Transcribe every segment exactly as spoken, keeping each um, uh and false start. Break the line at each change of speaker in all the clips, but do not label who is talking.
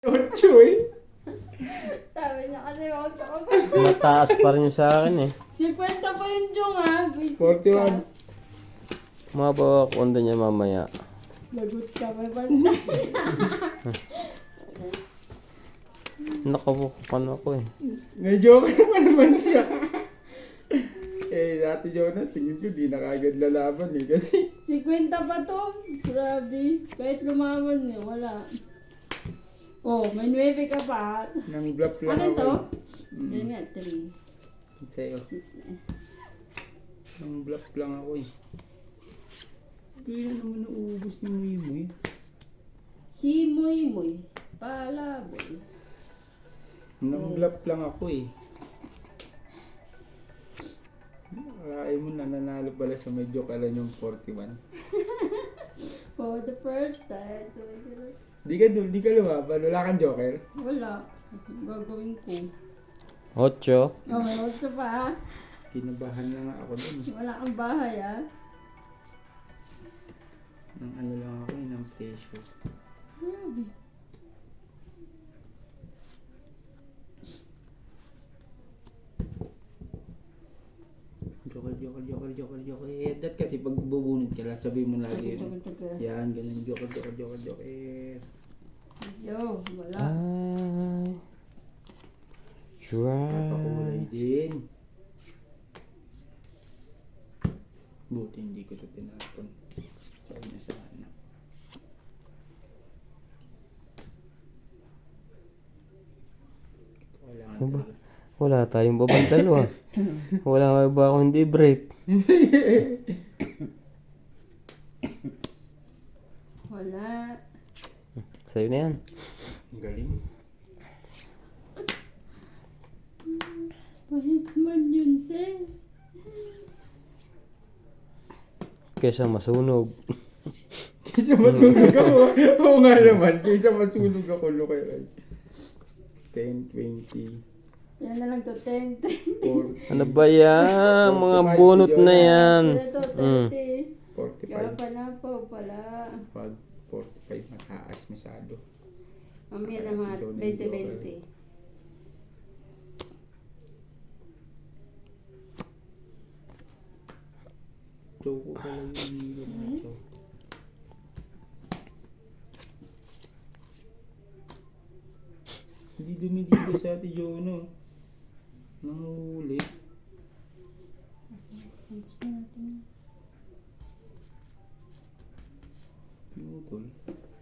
Ocho eh.
Sabi niya kasi ocho ka pa.
Mataas pa rin yung sa akin eh.
fifty pa yung Jong ha. Visit
forty-one.
ka.
Mabawa ko onda niya mamaya.
Lagot ka may bantay.
Nakabukukan ako eh.
May joker pa naman siya. Eh, dati Jonah, tingin ko di na kagad lalaban eh. Kasi,
fifty pa to. Grabe. Kahit lumaban niya, wala. Oh, may nueve ka pa.
nang bluff lang
Ano to?
ako. Mm.
Yan nga, three.
Sa'yo.
six na eh.
Nang bluff lang ako eh. Kaya naman nauubos ni Muy Muy.
Si Muy Muy. Palaboy.
Nang bluff lang ako eh. Akalain mo na nanalo pala sa medyo kalan yung forty-one.
For the first time.
Di ka, di ka lumaban, wala kang joker.
Wala. Gagawin ko.
Ocho.
Oh, may ocho pa ha.
Kinabahan na nga ako dun.
Wala kang bahay ha.
Nang ano lang ako eh, ng pressure.
Grabe.
Joker, joker, joker, joker, joker. Eh, that kasi pag bubunod ka lang, sabi mo lagi yun. Yan, ganun. Joker, joker, joker, joker.
Yo, wala.
Ay. Try.
Papakulay din. Buti hindi ko ito tinapon. Sabi na sana. Wala
Ano ba?
talaga.
Wala tayong babang dalawa. Wala ba ako hindi break?
Wala.
Sa'yo na yan.
Galing.
Pahits man yun, te.
Kesa masunog.
Kaysa masunog ako. Oo nga naman. Kaysa masunog ako. Look at guys. ten, twenty,
Yan na lang to, ten, twenty.
forty,
Ano ba yan? Mga bunot na yan.
Ito,
Mm.
thirty. Kaya
forty-five.
pala po, pala.
Pag forty-five, mataas masyado.
Mamaya na mga twenty, twenty.
Choco pala yung hilo na ito. Hindi dumidigo sa ate Jono. Nanguhuli.
Tapos na natin.
Pinutol.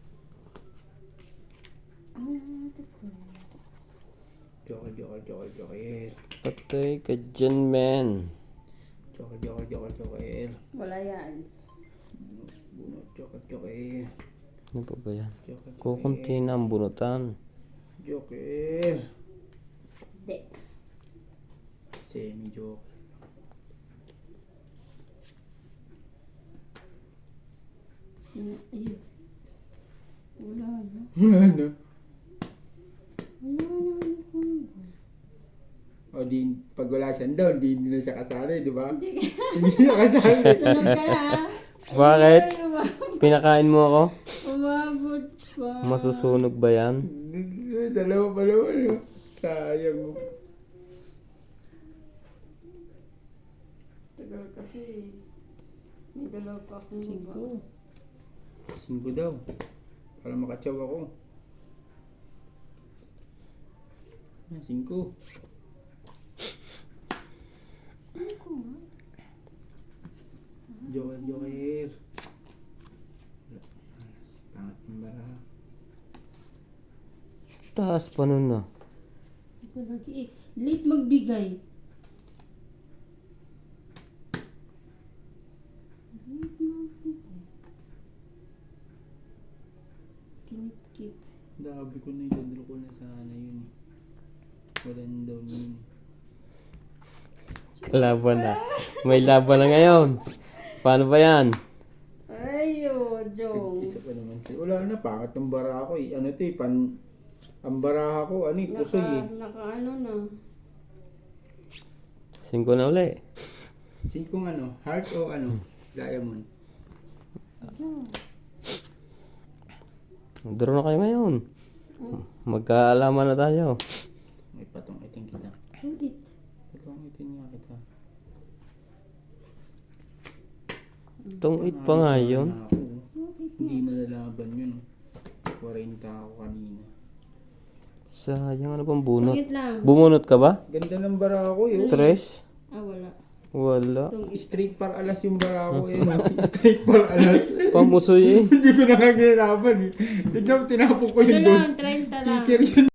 Ah, natin ko.
Joker, joker, joker, joker.
Patay ka dyan, men.
Joker, joker, joker, joker.
Wala yan.
Bunot, joker, joker.
Ano pa ba yan?
Joker, joker.
Kukunti na ang bunutan.
Joker.
Hindi.
Semi-joker.
Ayun. Wala na.
Ano?
Wala na. Ano kung...
O di, pag wala siya doon, di, di na siya kasali, di ba?
Hindi ka.
Hindi siya kasali.
Sunod ka na ha.
Bakit?
Ay, umabot.
Pinakain mo ako?
Umabot pa.
Masusunog ba yan?
Dalawa pa naman, no? Sayang mo.
Tagal kasi. May dalawa pa akong iba.
Singko daw. Para makatsaw ako. Ah, singko.
Saan ko nga?
Joker, joker. Pangat ng bara.
Taas pa nun na.
Ito lagi eh. Late magbigay. Late magbigay. Kinip-kip.
Dabi ko na yung ko na sana yun. Walang daw yun.
Laban na. May laban na ngayon. Paano ba yan?
Ayo, Jong.
Isa pa naman siya. Wala na, pangat ng bara ako eh. Ano ito eh, pan... Ang baraha ko, ano eh, pusoy eh.
Naka, naka ano na.
Singko na uli.
Singkong ano, heart o ano, diamond.
Ito.
Draw na kayo ngayon. Magkaalaman na tayo.
May patong iting kita.
Ulit.
Patong iting nga kita.
Tungit pa nga yun.
Ako. Hindi nalalaban yun. forty ako kanina.
Sayang, ano pang bunot?
Tungit lang.
Bumunot ka ba?
Ganda ng bara ko eh. oh.
Tres?
Ah, wala.
Wala.
Tungit.
Straight par alas yung bara ko eh. no? Straight par alas.
Pamusoy eh.
Hindi ko nakagirapan eh. Tignan mo, tinapok ko
Ano
yung dos.
lang, thirty lang.
Ticker yun.